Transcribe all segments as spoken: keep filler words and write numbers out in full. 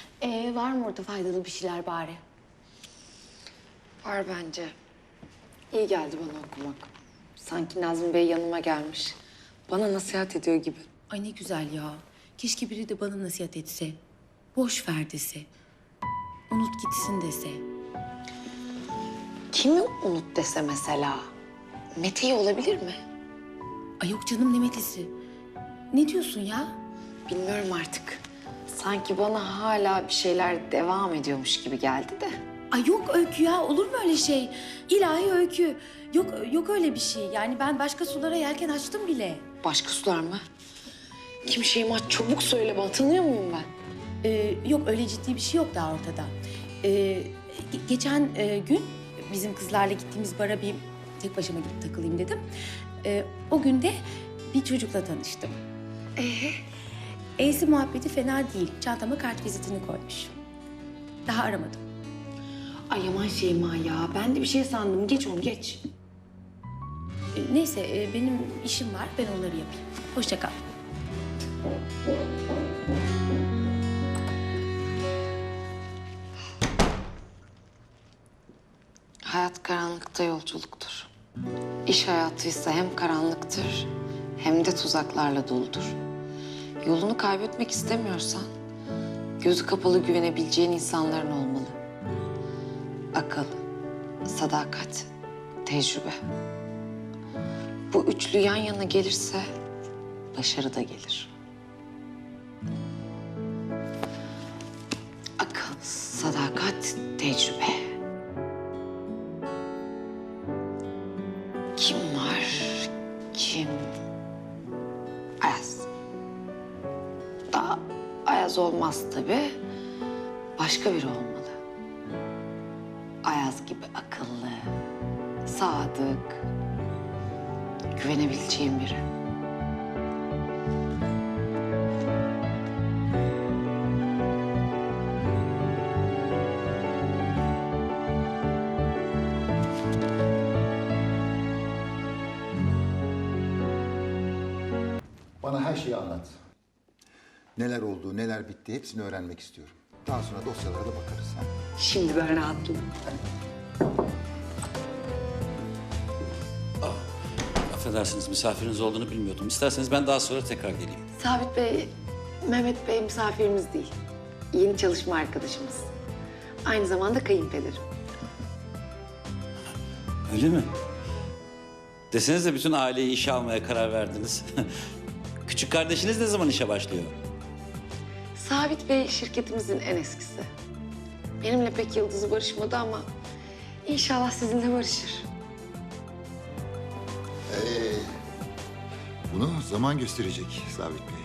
Ee, var mı orada faydalı bir şeyler bari? Var bence. İyi geldi bana okumak. Sanki Nazmi Bey yanıma gelmiş. Bana nasihat ediyor gibi. Ay ne güzel ya. Keşke biri de bana nasihat etse. Boş ver dese. Unut gitsin dese. Kimi unut dese mesela? Mete'yi olabilir mi? Ay yok canım ne Mete'si. Ne diyorsun ya? Bilmiyorum artık. Sanki bana hala bir şeyler devam ediyormuş gibi geldi de. Ay yok Öykü ya, olur mu öyle şey? İlahi Öykü. Yok yok öyle bir şey. Yani ben başka sulara yelken açtım bile. Başka sular mı? Kim Şeyma, çabuk söyle bana. Tanıyor muyum ben? Ee, yok öyle ciddi bir şey yok daha ortada. Ee, ge- geçen e, gün bizim kızlarla gittiğimiz bara bir tek başıma gidip takılayım dedim. Ee, o gün de bir çocukla tanıştım. Ee? E'si muhabbeti fena değil. Çantama kart vizitini koymuş. Daha aramadım. Ay aman Şeyma ya. Ben de bir şey sandım. Geç onu geç. Ee, neyse e, benim işim var. Ben onları yapayım. Hoşça kal. Hayat karanlıkta yolculuktur. İş hayatıysa hem karanlıktır hem de tuzaklarla doludur. Yolunu kaybetmek istemiyorsan gözü kapalı güvenebileceğin insanların olmalı. Akıl, sadakat, tecrübe. Bu üçlü yan yana gelirse başarı da gelir. Akıl, sadakat, tecrübe. Kim var? Kim? Ayaz. Daha Ayaz olmaz tabii. Başka biri olmalı. Ayaz gibi akıllı, sadık, güvenebileceğim biri. Bana her şeyi anlat. Neler oldu, neler bitti hepsini öğrenmek istiyorum. Daha sonra dosyalara da bakarız. Ha? Şimdi ben rahatladım. Affedersiniz, misafiriniz olduğunu bilmiyordum. İsterseniz ben daha sonra tekrar geleyim. Sabit Bey, Mehmet Bey misafirimiz değil. Yeni çalışma arkadaşımız. Aynı zamanda kayınpederim. Öyle mi? Desenize bütün aileyi işe almaya karar verdiniz. Küçük kardeşiniz ne zaman işe başlıyor? Sabit Bey şirketimizin en eskisi. Benimle pek yıldızı barışmadı ama inşallah sizinle barışır. Ee, bunu zaman gösterecek Sabit Bey.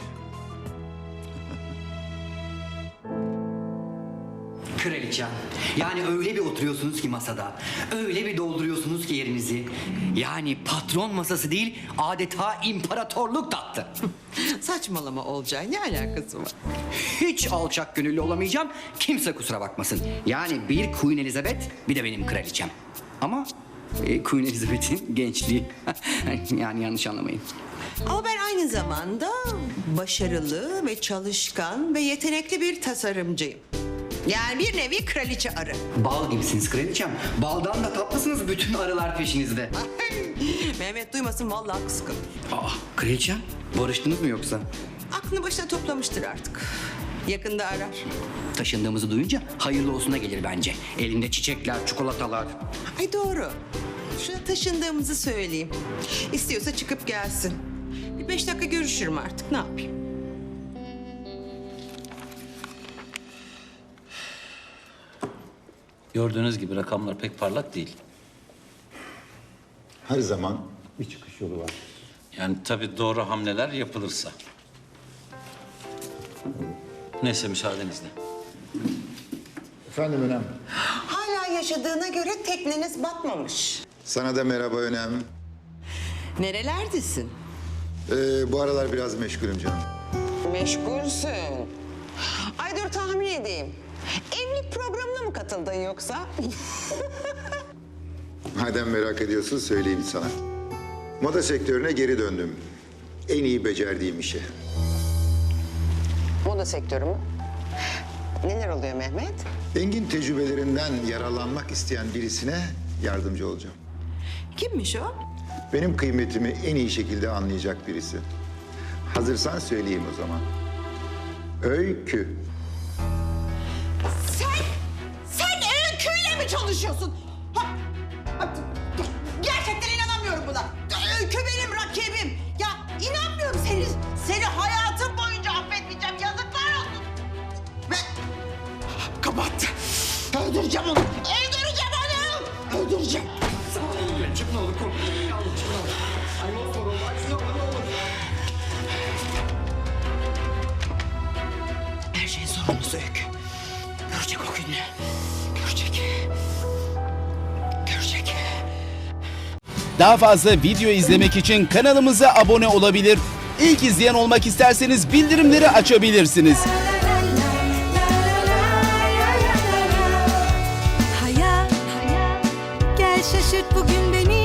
Kraliçem. Yani öyle bir oturuyorsunuz ki masada. Öyle bir dolduruyorsunuz ki yerinizi. Yani patron masası değil, adeta imparatorluk tahtı. Saçmalama Olcay, ne alakası var? Hiç alçak gönüllü olamayacağım. Kimse kusura bakmasın. Yani bir Queen Elizabeth, bir de benim kraliçem. Ama e, Queen Elizabeth'in gençliği. Yani yanlış anlamayın. Ama ben aynı zamanda başarılı ve çalışkan ve yetenekli bir tasarımcıyım. Yani bir nevi kraliçe arı. Bal gibisiniz kraliçem. Baldan da tatlısınız, bütün arılar peşinizde. Mehmet duymasın, vallahi kıskanır. Aa, kraliçem, barıştınız mı yoksa? Aklını başına toplamıştır artık. Yakında arar. Taşındığımızı duyunca hayırlı olsuna gelir bence. Elinde çiçekler, çikolatalar. Ay doğru. Şuna taşındığımızı söyleyeyim. İstiyorsa çıkıp gelsin. Bir beş dakika görüşürüm artık, ne yapayım? Gördüğünüz gibi rakamlar pek parlak değil. Her zaman bir çıkış yolu var. Yani tabii doğru hamleler yapılırsa. Neyse müsaadenizle. Efendim Önem. Hala yaşadığına göre tekneniz batmamış. Sana da merhaba Önem. Nerelerdesin? Ee, bu aralar biraz meşgulüm canım. Meşgulsün. Ay dur tahmin edeyim. Evlilik programına mı katıldın yoksa? Madem merak ediyorsun söyleyeyim sana. Moda sektörüne geri döndüm. En iyi becerdiğim işe. Moda sektörü mü? Neler oluyor Mehmet? Engin tecrübelerinden yararlanmak isteyen birisine yardımcı olacağım. Kimmiş o? Benim kıymetimi en iyi şekilde anlayacak birisi. Hazırsan söyleyeyim o zaman. Öykü. Sen, sen Öykü'yle mi çalışıyorsun? Ha, ha, gerçekten inanamıyorum buna. Öykü benim rakibim. Ya inanmıyorum seni, seni hayatım boyunca affetmeyeceğim. Yazıklar olsun. Ve kapattı. Öldüreceğim onu. Öldüreceğim onu. Öldüreceğim. Çık ne olur korkma. Ne olur çık ne olur. Ay ne olur. Ay ne olur ne olur. Her şeyin sorumlusu Öykü. Görecek o günü. Görecek. Görecek. Daha fazla video izlemek için kanalımıza abone olabilir. İlk izleyen olmak isterseniz bildirimleri açabilirsiniz. Hayat, gel şaşırt bugün beni.